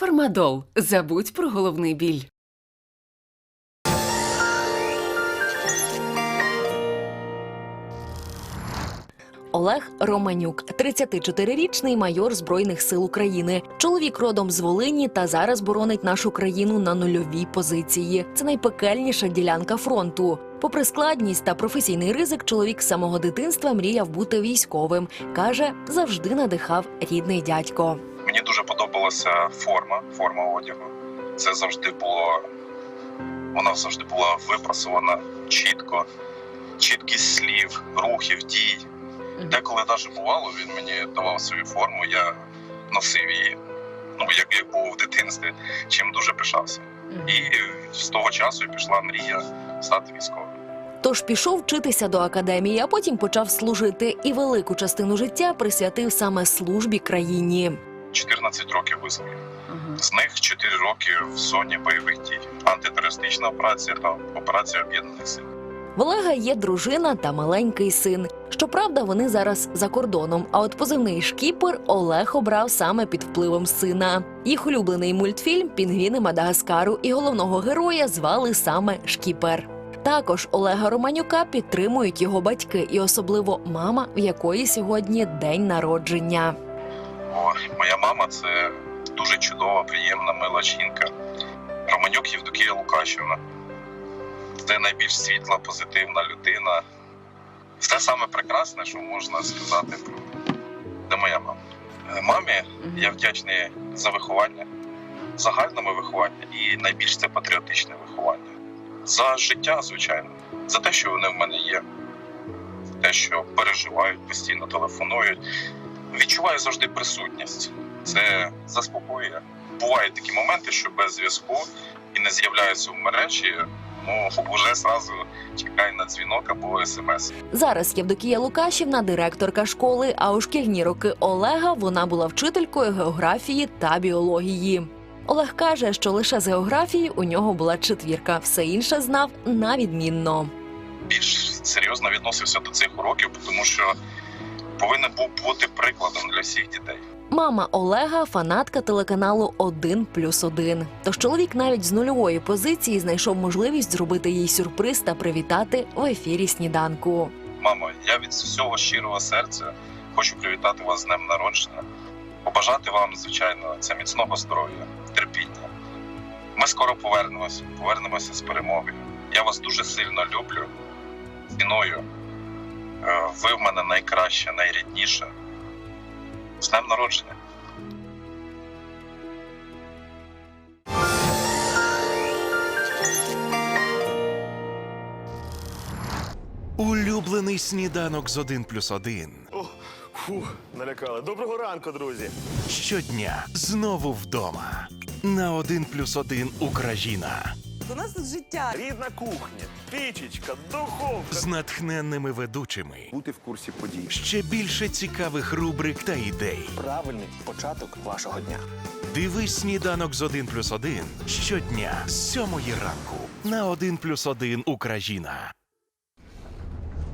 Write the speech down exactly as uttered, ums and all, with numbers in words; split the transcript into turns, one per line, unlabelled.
Фармадол. Забудь про головний біль.
Олег Романюк – тридцятичотирирічний майор Збройних сил України. Чоловік родом з Волині та зараз боронить нашу країну на нульовій позиції. Це найпекельніша ділянка фронту. Попри складність та професійний ризик, чоловік з самого дитинства мріяв бути військовим. Каже, завжди надихав рідний дядько.
Мені дуже подобалася форма, форма одягу. Це завжди було, вона завжди була випрасована чітко. Чіткість слів, рухів, дій. Деколи навіть бувало, він мені давав свою форму, я носив її, ну, як, як був в дитинстві, чим дуже пишався. І з того часу пішла мрія стати військовим.
Тож пішов вчитися до академії, а потім почав служити і велику частину життя присвятив саме службі країні.
чотирнадцять років визволів. З них чотири роки в зоні бойових дій. Антитерористична операція та операція Об'єднаних сил.
В Олега є дружина та маленький син. Щоправда, вони зараз за кордоном, а от позивний «Шкіпер» Олег обрав саме під впливом сина. Їх улюблений мультфільм «Пінгвіни Мадагаскару» і головного героя звали саме Шкіпер. Також Олега Романюка підтримують його батьки і особливо мама, в якої сьогодні день народження.
О, моя мама – це дуже чудова, приємна, мила жінка. Романюк Євдокія Лукашівна. Це найбільш світла, позитивна людина. Все саме прекрасне, що можна сказати про це моя мама. Мамі я вдячний за виховання, загальному виховання і найбільш це патріотичне виховання. За життя, звичайно, за те, що вони в мене є, за те, що переживають, постійно телефонують. Відчуваю завжди присутність. Це заспокоює. Бувають такі моменти, що без зв'язку і не з'являються в мережі, ну, вже зразу чекай на дзвінок або смс.
Зараз Євдокія Лукашівна – директорка школи, а у шкільні роки Олега вона була вчителькою географії та біології. Олег каже, що лише з географії у нього була четвірка, все інше знав на відмінно.
Більш серйозно відносився до цих уроків, тому що повинен був бути прикладом для всіх дітей.
Мама Олега – фанатка телеканалу один плюс один. Тож чоловік навіть з нульової позиції знайшов можливість зробити їй сюрприз та привітати в ефірі «Сніданку».
Мамо, я від всього щирого серця хочу привітати вас з днем народження. Побажати вам, звичайно, це міцного здоров'я, терпіння. Ми скоро повернемося, повернемося з перемогою. Я вас дуже сильно люблю, ціную. Ви в мене найкраще, найрідніше. З днем народження.
Улюблений сніданок з один плюс один.
О, фух, налякали. Доброго ранку, друзі.
Щодня знову вдома. На один плюс один Україна.
У нас тут життя.
Рідна кухня, пічечка, духовка.
З натхненними ведучими.
Бути в курсі подій.
Ще більше цікавих рубрик та ідей.
Правильний початок вашого дня.
Дивись сніданок з один плюс один щодня з сьомої ранку на один плюс один Україна.